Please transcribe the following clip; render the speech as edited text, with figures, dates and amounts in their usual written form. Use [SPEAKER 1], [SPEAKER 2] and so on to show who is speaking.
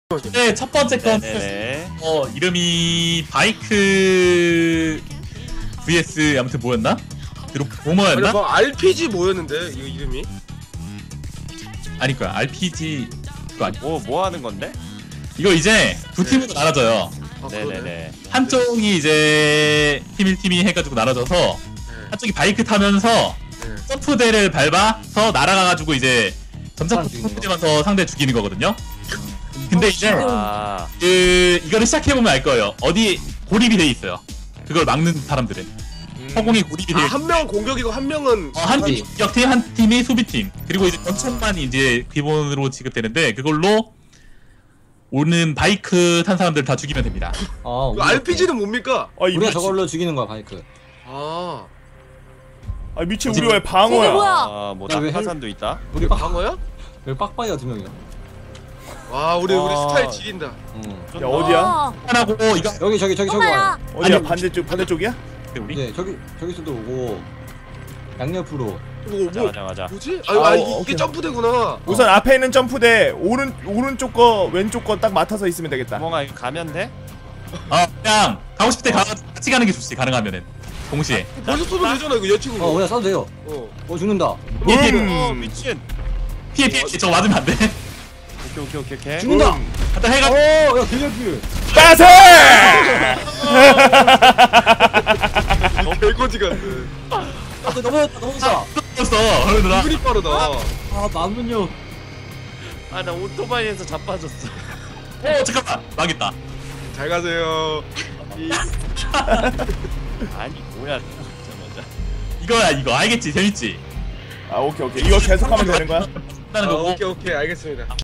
[SPEAKER 1] 네, 첫 번째 건 이름이 바이크 vs 아무튼 뭐였나? 뭐였나?
[SPEAKER 2] 아니 뭐 RPG 뭐였는데 이거 이름이?
[SPEAKER 1] 아닐 거야. RPG 그거 아니.
[SPEAKER 3] 뭐 하는 건데?
[SPEAKER 1] 이거 이제 두 팀으로 나눠져요.
[SPEAKER 3] 네네네.
[SPEAKER 1] 한쪽이 이제 팀 1팀이 해가지고 나눠져서 한쪽이 바이크 타면서 점프대를 밟아서 날아가가지고 이제 점점 점프대면서 상대 죽이는 거거든요. 근데 이제 이거를 시작해보면 알 거예요. 어디 고립이 돼 있어요. 그걸 막는 사람들은 허공이 고립이 돼.
[SPEAKER 2] 한 명은 공격이고 한 명은
[SPEAKER 1] 한 팀이 공격팀, 한 팀이 수비팀. 그리고 이제 권총만 이제 기본으로 지급되는데 그걸로 오는 바이크 탄 사람들 다 죽이면 됩니다.
[SPEAKER 2] 그 RPG는 뭡니까?
[SPEAKER 4] 우리가 저걸로 죽이는 거야 바이크.
[SPEAKER 5] 아
[SPEAKER 3] 미친 우리 왜 방어야?
[SPEAKER 5] 뭐야?
[SPEAKER 3] 낙하산도 있다.
[SPEAKER 2] 우리 방어야?
[SPEAKER 4] 여기 빡빡이가 2명이야.
[SPEAKER 2] 와 우리 스타일 지린다.
[SPEAKER 3] 야 어디야?
[SPEAKER 1] 하나고 이거
[SPEAKER 4] 여기 저기 와요.
[SPEAKER 3] 어디야?
[SPEAKER 1] 아니,
[SPEAKER 3] 반대쪽이야?
[SPEAKER 1] 우리
[SPEAKER 4] 네 저기서도 오고 양옆으로.
[SPEAKER 3] 맞아.
[SPEAKER 2] 뭐지?
[SPEAKER 3] 오케이.
[SPEAKER 2] 이게 점프대구나.
[SPEAKER 6] 우선 앞에 있는 점프대 오른쪽 거 왼쪽 거 딱 맡아서 있으면 되겠다.
[SPEAKER 3] 구멍아 이거 가면 돼?
[SPEAKER 1] 그냥 가고 싶을 때 같이 가는 게 좋지. 가능하면은 동시에.
[SPEAKER 2] 벌써 쏘면 되잖아 이거 여친구.
[SPEAKER 4] 그냥 쏴도 돼요. 죽는다.
[SPEAKER 3] 미친.
[SPEAKER 1] 피해. 저거 맞으면 안 돼.
[SPEAKER 3] 오케이.
[SPEAKER 4] 죽는다.
[SPEAKER 1] 갖다 해가.
[SPEAKER 4] 야 길려필.
[SPEAKER 6] 빠세!
[SPEAKER 2] 개거지가.
[SPEAKER 4] 넘어졌다.
[SPEAKER 1] 었어 허르느라.
[SPEAKER 2] 기분이 빠르다.
[SPEAKER 4] 나는요.
[SPEAKER 3] 나 오토바이에서 자빠졌어.
[SPEAKER 1] 잠깐만 망했다.
[SPEAKER 2] 잘 가세요.
[SPEAKER 3] 아니 뭐야?
[SPEAKER 1] 이거야 이거 알겠지 재밌지.
[SPEAKER 6] 오케이 이거 계속하면 되는 거야?
[SPEAKER 1] 하는 거고.
[SPEAKER 2] 오케이 알겠습니다.